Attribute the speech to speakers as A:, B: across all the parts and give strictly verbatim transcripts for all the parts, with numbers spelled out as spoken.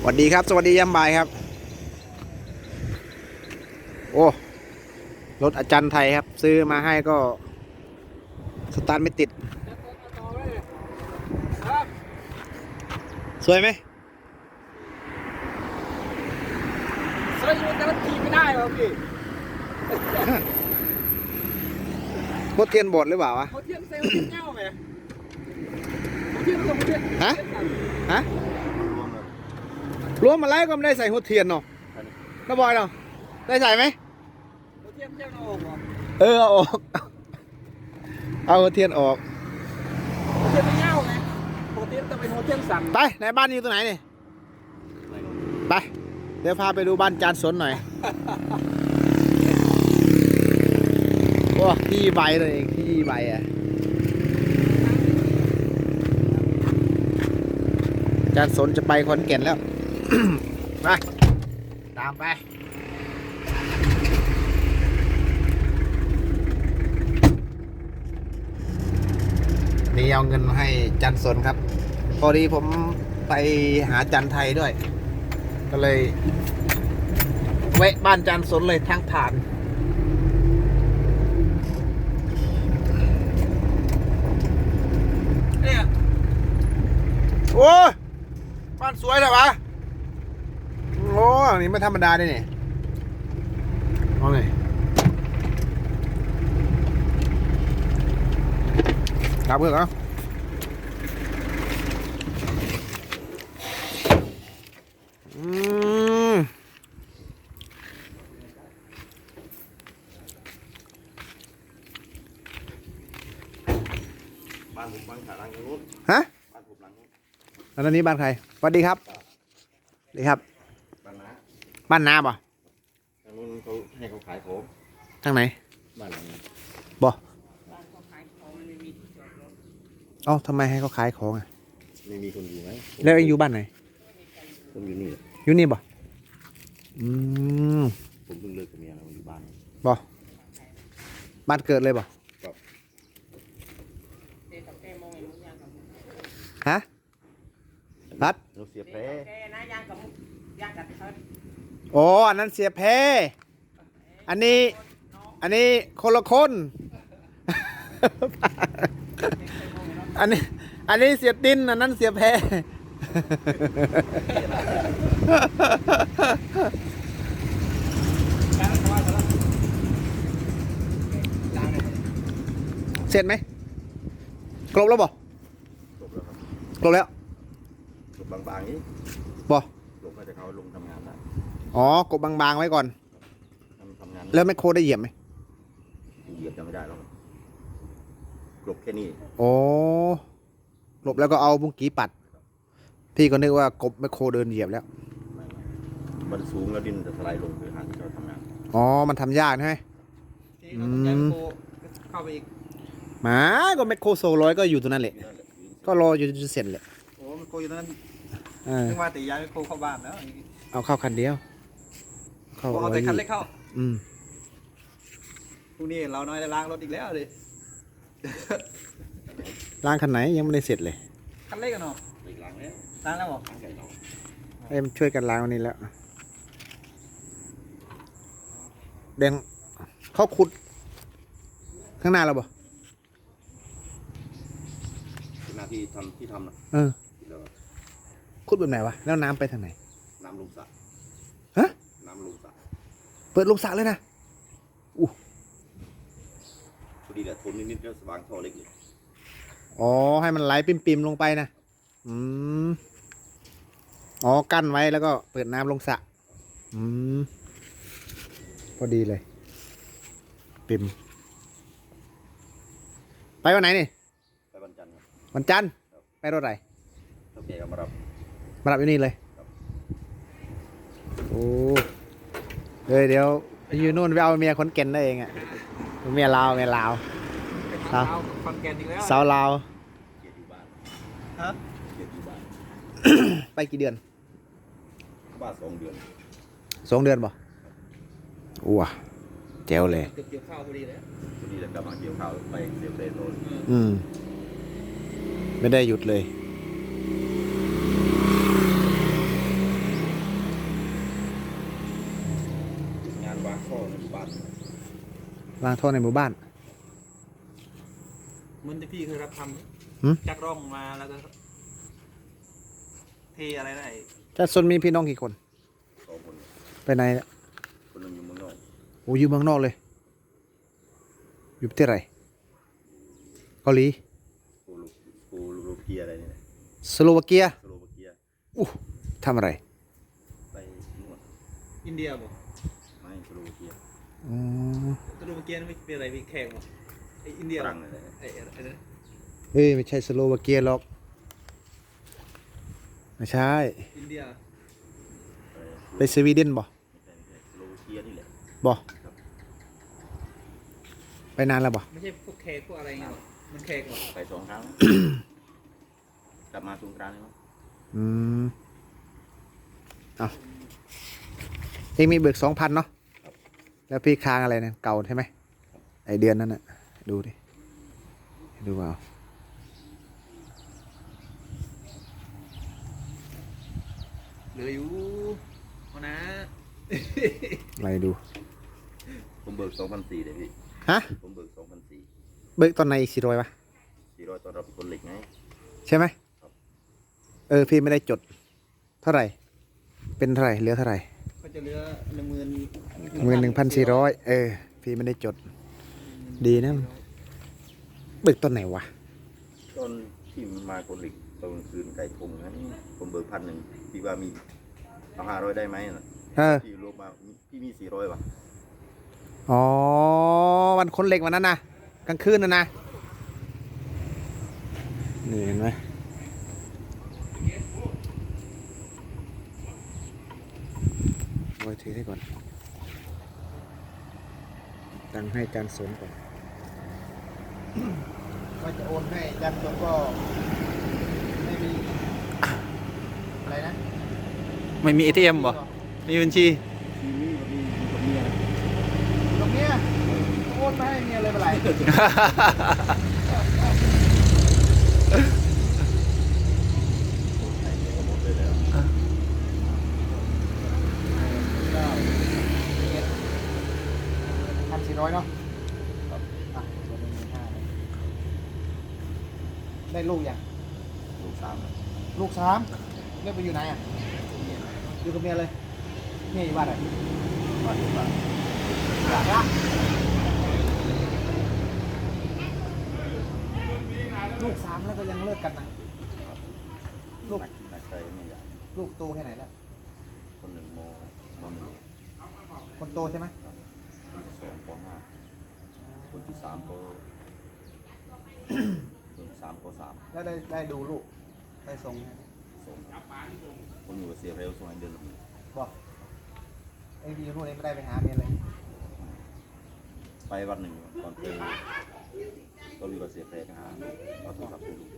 A: วัสดีครับสวัสดียามบ่ายครับโอ้รถอาจารย์ไทยครับซื้อมาให้ก็สตาร์ทไม่ติดสวยไหม
B: สวยอยู่แต่มันขี่ไม่ได้หรอพี่
A: มดเทียนบดหรือเปล่าวะ
B: เขาเทียนเซลล์เงาไหมเขาเทียนลงเทียน
A: ฮะฮะรวมมาแล้วก็ไม่ได้ใส่หัวเทียนเนาะน้าบอยเนาะได้ใส่ไหม
B: เขาเทียนเทียนออก
A: เออเอาออกเอาหัวเทียนออก
B: เขาเทียนไม่เงาไหมปกติจะเป็นหัวเทียนสั่น
A: ไปไหนบ้านอยู่ตรงไหนนี่ไปเดี๋ยวพาไปดูบ้านจานสนหน่อยโอ้ที่ใบเลยเองที่ใบอ่ะจานสนจะไปขอนแก่นแล้ว ไปตามไปนี่เอาเงินมาให้จันสนครับพอดีผมไปหาจันไทยด้วยก็เลยแวะบ้านจันสนเลยทางผ่านเนี่ยโอ้บ้านสวยเลยวะโอ้นี่ไม่ธรรมดาเลยเนี่ยเอาเลยครับเพื่อนครับอืม
C: บ้านผมบ้านขาลังนู้น
A: ฮะ
C: บ้านผมหลังนู้น
A: แล้วตอนนี้บ้านใครสวัสดีครับสวัสดีครับ
C: บ้านน้า
A: บ้านน้าป่ะ
C: ทางนู้นเขาให้เขาขายของ
A: ทางไหน
C: บ้านหลังนี้
A: บ่เอ้าทำไมให้เขาขายของอ่ะ
C: ไม่มีคนอยู่ไหม
A: แล้วเองอยู่บ้านไหน
C: ผมอยู่นี่
A: อยู่นี่บ่อืม
C: ผมเพิ่งเลิกกับเมียแล้วอยู่บ้าน
A: บ่บ้านเกิดเลยบ่ฮะรัด
C: เราเสียแพ้
A: โอ้อันนั้นเสียแพ้อันนี้อันนี้คนละคน อันนี้อันนี้เสียตินอันนั้นเสียแพ้ เสร็จไหมกลบแล้วบ่
C: จบแล้วครับ
A: กลบแล้ว
C: จบบางๆนี้
A: บ่
C: จบแล้วแต่เขาลงทำงานได้
A: อ๋อกบบางๆไว้ก่อน
C: ทำงาน
A: แล้วแมคโครได้เหยียบไหม
C: เหยียบจะไม่ได้หรอกกลบแค่นี้
A: โอ้กลบแล้วก็เอาบุ้งกี้ปัดพี่ก็นึกว่ากบแมคโครเดินเหยียบแล้ว
C: มันสูงแล้วดินจะสไลด์ลงไปหาที่เราทำงาน
A: อ๋อมันทำยากใช่ไหม
B: อืมเข้าไปอีก
A: มาก็แมคโครโซร้อยก็อยู่ตรงนั้นแหละก็รออยู่จนเสร็จแหละ
B: โอ้แมคโครอยู่ตรงนั้น
A: เออ
B: นึกว่าแต่ย้ายแมคโครเข้าบ้านแล้ว
A: เอาเข้าคันเดียว
B: เข้าเอาแต่คันเล็กเข้า
A: อืม
B: พรุ่งนี้เราน้อยจะล้างรถอีกแล้วเลย
A: ล้างคันไหนยังไม่ได้เสร็จเลย
B: คันเล็กกันเนาะ
C: ล้างแล้ว
B: ล้างแล้วบอก
A: เอ้ยมันช่วยกันล้างวันนี้แล้วแดงเขาขุดข้างหน้าเราบ่
C: หน้าที่ทำที่ทำนะ
A: เออขุดแบบไหนวะแล้วน้ำไปทางไหน
C: น้ำลงสระ
A: ฮะ
C: น้ำลงสระ
A: เปิดลงสระเลยนะอู้
C: พอดีแหละทนนิดๆแล้วสว่างท่อเล็กเลย
A: อ๋อให้มันไหลปิ่มๆลงไปนะอืมอ๋อกั้นไว้แล้วก็เปิดน้ำลงสระอืมพอดีเลยปิ่มไปวันไหนนี่
C: ไปวันจันทร์ครับ
A: วันจันทร์ไปรถไหน
C: โอเคก็มารับ
A: มารับอยู่นี่เลยโอ้เดี๋ยวเดี๋ยวอยู่นู่นไปเอาเมียคนเก่นได้เองอ่ะเมียลาวเมียลาว
B: สาวคอนแกนอีกแล้ว
A: สาวลาว
C: เกียรติอยู่บ้าน
B: ฮะ
C: เกียรติอยู่บ้าน
A: ไปกี่เดือน
C: บ้านสองเดือน
A: สองเดือนป่ะอ้วแจ๋วเลย
B: เกี่ยวข้าวพอดีเลย
C: พอดีแล้วกลับมาเกี่ยวข้าวไปเสียบเรนโรน
A: อืมไม่ได้หยุดเลยล้างท่อในหมู่บ้าน
B: เหมือนที่พี่เคยรับท
A: หืม
B: ำจักร่องมาแล้วก็เทอะไรนะไอ้
A: จัดซนมีพี่น้องกี่คน
C: สองคน
A: ไปไหนละ
C: คนหนึงอยู่เมืองนอก
A: โอ้อยู่เมืองนอกเลย อยู่ประเทศอะไรเกาหลี
C: โปโลโปโลเกียอะไรนี่แหละ
A: สโลวาเกีย
C: สโลวาเกีย
A: อู้ทำอะไร
C: ไปนวด
B: อินเดียบ่
C: ไม่สโลวาเกีย
A: อืม
B: ตะลุมเกียนไม่เป็นอะไรมีแขกบ่ไอ้อินเดีย
C: ฝ
B: บ่
C: รั่งอะไร
B: ไอ้ไอ้ไอ้นั่น
A: เฮ้ยไม่ใช่สโลวาเกียหรอกไม่ใช่
B: อินเดีย
C: อะไร
A: ไปสวีเดนบ่
C: ไม่ใช่ไม่ใช่สโลวาเกียนี่แหละ
A: บ่ไปนานแล้วบ่
B: ไม่ใช่พวกแขกพวกอะไรเงี้ยหรอมันแขกบ่
C: ไปสองครั้ง กลับมาสงกรานต์เลยมั้ง
A: อืมเอาเองมีเบิกสองพันเนาะแล้วพี่ค้างอะไรเนี่ยเก่าใช่ไหมไอเดือนนั้นน่ะดูดิดูเอา
B: เหลืออยู่เอานะ
A: อะไรดู
C: ผมเบิกสองพันสี่เลยพี่
A: ฮะ
C: ผมเบิกสองพันสี่
A: เบิกตอนไหนอีกสี่ร้อยวะ
C: สี่ร้อยตอนเราเป็นคนเหล็กไง
A: ใช่ไหม
C: ครับ
A: เออพี่ไม่ได้จด เท่าไหร่ เป็นเท่าไหร่เหลือเท่าไหร่
B: ก็จะเหลือหนึ่งหมื่น
A: เงินหนึ่งพันสี่ร้อยเออพี่ไม่ได้จด ดีนะ เบิกตอนไหนวะ
C: ตอนที่มาคนเหล็กตอนกลางคืนไก่พงนั้นผมเบิกพันหนึ่งพี่ว่ามีเอาห้าร้อยได้ไหมน่ะ
A: เออ
C: พี่รวมมาพี่มีสี่ร้อยว่ะ
A: อ๋อวันคนเหล็กวันนั้นนะกลางคืนนะนะนี่เห็นไหมโอ้ยถือให้ก่อนตังค์ให้จานสนก่อนก็จะโอนให้จานสนก็ไม่มีอะไรนะ
B: ไม่มี เอ ที เอ็ม บ่มีบัญชี
C: มีมีมีกับเมีย
A: ตรงเนี้ยโอนไปให้เมียเลยเป็นไร
C: หมดเลยแล้ว
A: พันสี่ร้อยเนาะ
C: ครับ
A: อ่ะส่วนหนึ่งหมื่นห้าเลยได้ลูกยัง
C: ลูกสาม
A: ลูกสามเรียกไปอยู่ไหนอ่ะ อยู่กับเมียเลยเมียอยู่บ้านไหน
C: บ้านอยู่บ้าน
A: หลังละลูกสามแล้วก็ยังเลิกกันนะ ลูก
C: นักใจไม่ใหญ่
A: ลูกโตแค่ไหนแล้ว
C: คนหนึ่งโมมหนึ่ง
A: คนโตใช่ไหม
C: คนที่สองปห้าคนที่สามก็คนที่สามก็สาม
A: แล้วได้ได้ดูลูก ได้ส่งไหม
C: ส่งผมอยู่กับเสียเร็วส่งให้เดือนละหมื่น
A: บอกไอ้ดีนู่นเองไม่ได้ไปหาเมียเลย
C: ไปวันหนึ่งตอนเจอก็อยู่กับเสียเร็วไปหาเอาโทรศัพท์ไปดู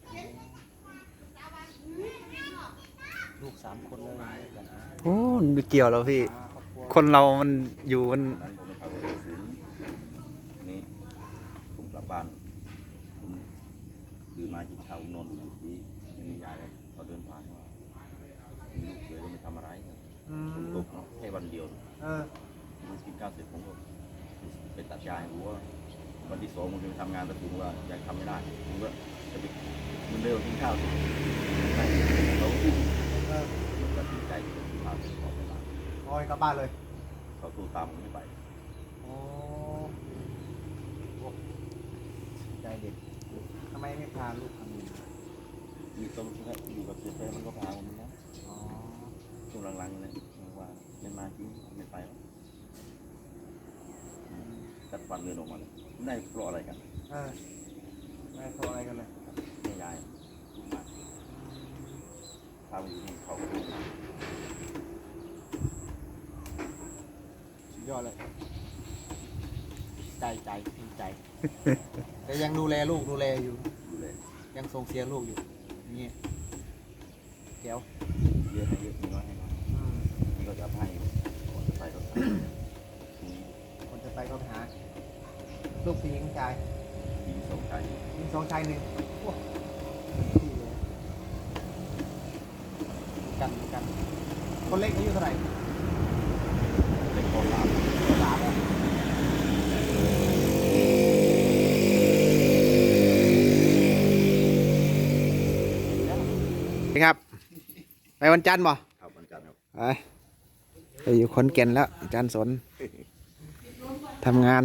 A: ลูกสามคนเลยกันนะ
B: โอ้ไม่เกี่ยวแล้วพี่
A: ครอบครัว
B: คนเรามันอยู่มัน
C: นั้นผมไปเข้าไปศูนย์นี่ผมกลับบ้านผมดื่มมากินข้าวนอนอยู่ที่ไม่มียาเลยเขาเดินผ่านว่ามีลูกเสือไม่ทำอะไร
A: อื
C: ผม
A: ม
C: ตกเนาะแค่วันเดียว
A: เออ
C: ผมกินข้าวเสร็จผมก็ไปตัดยาให้วัววันที่สองผมจะไปทำงานแต่ผมว่ายายทำไม่ได้ผมก็จะไปมันเร็วกินข้าวเสร็จไม่เขาอุ้ม
A: เออ
C: ตัดสินใจจะกินข้าวเสร็จออกไปบ้าน
A: โอ้ยกลับบ้านเลย
C: เขาตู้ตามผมไม่ไป
A: โอ้โหใจเด็กทำไมไม่พาลูกทำงาน
C: มีต้นอยู่กับเสียแฟมันก็พาผมนะ
A: อ๋อ
C: ช่วงหลังๆเนี่ยว่าไม่มาจริงไม่ไปแล้วตัดฟันเดินออกมาเลยได้เพราะอะไรกัน
A: เออไม่โทรอะไรกันเลย
C: แม่ยายลูกหมาพาไปอยู่ในเขา
A: สุดยอดเลย ใจใจภูมิใจ แต่ยังดูแลลูกดูแลอยู่
C: ดูแล
A: ยังส่งเสียลูกอยู่อย่างนี่เดี๋ยว
C: เยอะให้เยอะมีน้อยให้น้อย
A: อืม
C: นี่ก็จะให้ก่อนจะไปก็ทำมี
A: คนจะไปก็ไปหา ลูกผู้หญิงชาย
C: ยิงสองชาย
A: ยิงสองชายหนึ่งโอ้ดีเลยกันกัน คนเล็กอายุเท่าไหร่
C: เล็กก็สาม
A: สามแล้วไปวันจันทร์บ่
C: ครับวันจันทร์ครับ
A: ไปไปอยู่ขอนแก่นแล้วอาจารย์สนทำงาน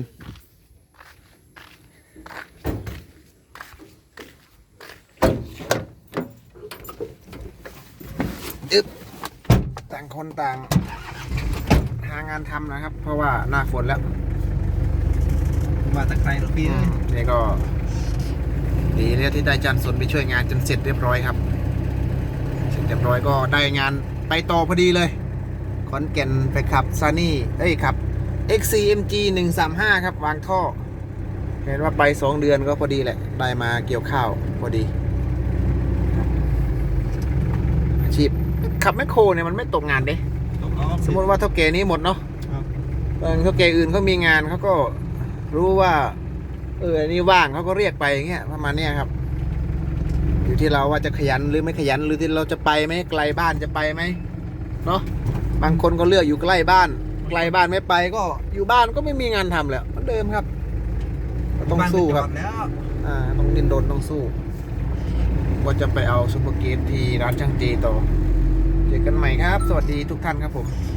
A: อึ๊บต่างคนต่าง หางานทำนะครับ เพราะว่าหน้าฝนแล้ว
B: มาตะไคร้ลูกพี่
A: อืมนี่ก็ดีแล้วที่ได้อาจารย์สนไปช่วยงานจนเสร็จเรียบร้อยครับเสร็จเรียบร้อยก็ได้งานไปต่อพอดีเลยขอนแก่นไปขับซานี่เอ้ยขับ เอ็กซ์ ซี เอ็ม จี หนึ่งสามห้า ครับวางท่อ เห็นว่าไปสองเดือนก็พอดีแหละ ได้มาเกี่ยวข้าวพอดีครับอาชีพขับแมคโครเนี่ยมันไม่ตกงานเด้
B: ตกรอบ
A: สมมติว่าเท่าแก่นี้หมดเนาะ
B: ครับ
A: บางเท่าแก่อื่นเขามีงานเขาก็รู้ว่า เอออันนี้ว่างเขาก็เรียกไปอย่างเงี้ยประมาณเนี้ยครับ อยู่ที่เราว่าจะขยันหรือไม่ขยันหรือที่เราจะไปไหมไกลบ้านจะไปไหมเนาะบางคนก็เลือกอยู่ใกล้บ้าน ไกลบ้านไม่ไปก็อยู่บ้านก็ไม่มีงานทำแล้วเหมือนเดิมครับก็ต้องสู้ครับ
B: านไปจอดแล้ว
A: อ่าต้องดิ้นรนต้องสู้ว่าจะไปเอาซุปเปอร์เกตที่ร้านช่างเจต่อเจอกันใหม่ครับ สวัสดีทุกท่านครับผม